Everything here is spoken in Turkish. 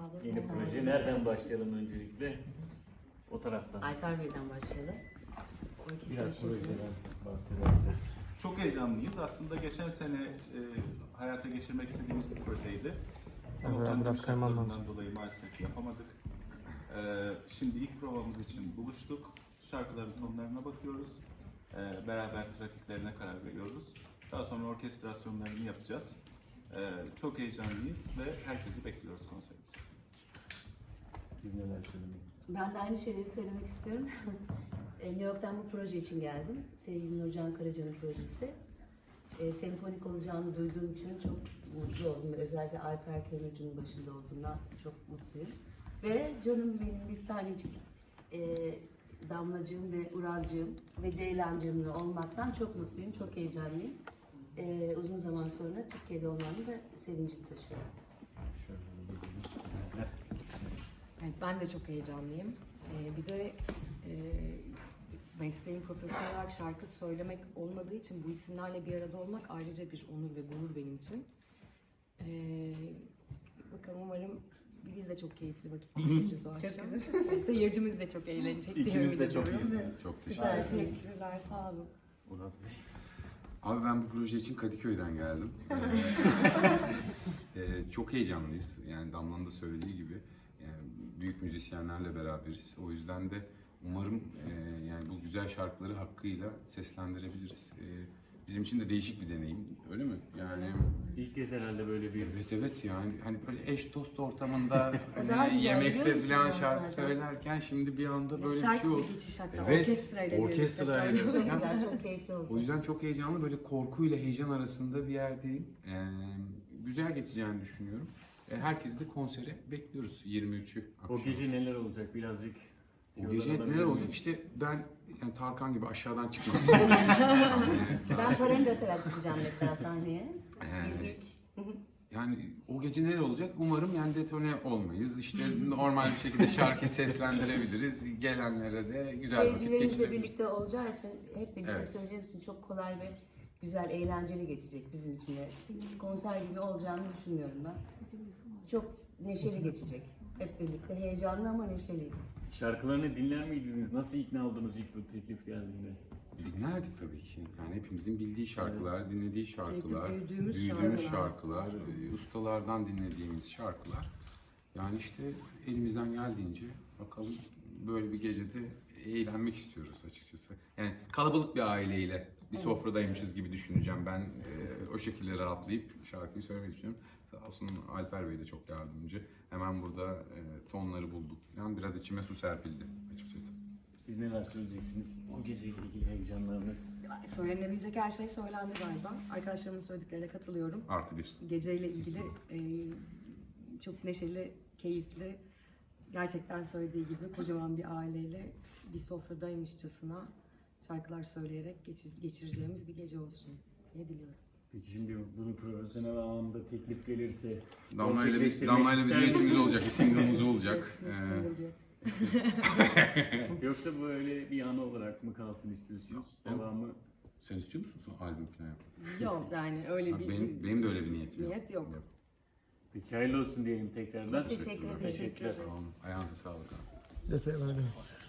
olun. Yeni Sağ proje. olun. Nereden başlayalım öncelikle? O taraftan. Alper Bey'den başlayalım. O ikisi Biraz için projeden bahsederseniz. Çok heyecanlıyız. Aslında geçen sene hayata geçirmek istediğimiz bir projeydi. Ama Evet, pandemi biraz kaymam lazım. şartlarından dolayı maalesef yapamadık. Şimdi ilk provamız için buluştuk. Şarkıların tonlarına bakıyoruz. Beraber trafiklerine karar veriyoruz. Daha sonra orkestrasyonlarını yapacağız. Çok heyecanlıyız ve herkesi bekliyoruz konserimize. Siz neler söylemek istersiniz? Ben de aynı şeyleri söylemek istiyorum. New York'tan bu proje için geldim. Sevgili Nurcan Karaca'nın projesi. Senfonik olacağını duyduğum için çok mutlu oldum. Özellikle Alper Köyüncü'nün başında olduğundan çok mutluyum. Ve canım benim bir tanecik Damlacığım ve Urazcığım ve Ceylancığımla olmaktan çok mutluyum, çok heyecanlıyım. Uzun zaman sonra Türkiye'de olmanın da sevincini taşıyorum. Şöyle gidelim. Evet, ben de çok heyecanlıyım. Bir de mesleğim profesyonel olarak şarkı söylemek olmadığı için bu isimlerle bir arada olmak ayrıca bir onur ve gurur benim için. Bakalım umarım biz de çok keyifli vakit geçireceğiz o akşam. Seyircimiz de çok eğlenecek diye İkiniz de ümit çok ediyorum. iyisiniz. Çok Süper. Teşekkürler, sağ olun. Uraz Bey. Abi ben bu proje için Kadıköy'den geldim. Çok heyecanlıyız. Yani Damla'nın da söylediği gibi yani büyük müzisyenlerle beraberiz. O yüzden de umarım yani bu güzel şarkıları hakkıyla seslendirebiliriz. Bizim için de değişik bir deneyim. Öyle mi? Yani İlk kez herhalde böyle bir evet yani hani böyle eş dost ortamında Daha hani güzel, yemekte biliyor musun falan ya şarkı zaten? söylerken şimdi bir anda böyle bir Sert şey oldu. bir geçiş hatta Evet, orkestrayla orkestrayla. birlikte Çok söylüyorum. güzel, çok keyifli olacak. O yüzden çok heyecanlı, böyle korkuyla heyecan arasında bir yerdeyim. Güzel geçeceğini düşünüyorum. Herkesi de konsere bekliyoruz 23'ü akşam. o gece neler olacak birazcık? O gece Yoldan neler olacak? alabilir İşte ben yani Tarkan gibi aşağıdan çıkmak istiyorum. Sahneye. Ben paramı da atarak çıkacağım mesela sahneye. Ee, İlk. Yani o gece neler olacak? Umarım yani detone olmayız. İşte normal bir şekilde şarkı seslendirebiliriz. Gelenlere de güzel vakit Seyircilerimizle geçirebiliriz. birlikte olacağı için hep birlikte Evet. söyleyeceğim için çok kolay ve güzel, eğlenceli geçecek bizim için. de. Konser gibi olacağını düşünmüyorum ben. Çok neşeli geçecek. Hep birlikte heyecanlı ama neşeliyiz. Şarkılarını dinler miydiniz? Nasıl ikna oldunuz ilk bu teklif geldiğinde? Dinlerdik tabii ki. Yani hepimizin bildiği şarkılar, dinlediği şarkılar, büyüdüğümüz şarkılar, ustalardan dinlediğimiz şarkılar. Yani işte elimizden geldiğince bakalım böyle bir gecede eğlenmek istiyoruz açıkçası. Yani kalabalık bir aileyle bir sofradaymışız gibi düşüneceğim. Ben o şekilde rahatlayıp şarkıyı söylemeyi düşünüyorum. Sağ olsun Alper Bey de çok yardımcı. Hemen burada tonları bulduk falan. Biraz içime su serpildi açıkçası. Siz neler söyleyeceksiniz? O geceyle ilgili heyecanlarınız. Söylenebilecek her şey söylendi galiba. Arkadaşlarımın söylediklerine katılıyorum. +1. Geceyle ilgili çok neşeli, keyifli, gerçekten söylediği gibi kocaman bir aileyle bir sofradaymışçasına şarkılar söyleyerek geçireceğimiz bir gece olsun diye diliyorum. Peki şimdi bunu profesyonel anlamda teklif gelirse Damla'yla bir gerçekleştirmek ister düetimiz misiniz? olacak, bir single'ımız olacak. Single duet. Yoksa böyle bir anı olarak mı kalsın istiyorsunuz? Devamı Sen istiyor musun son albüm falan yapmak? Yok yani öyle bir Benim de öyle bir niyetim niyet yok. peki hayırlı olsun diyelim tekrardan. Çok teşekkür ederim. Teşekkürler. Tamam, ayağınıza sağlık abi. Detaylar gelmez.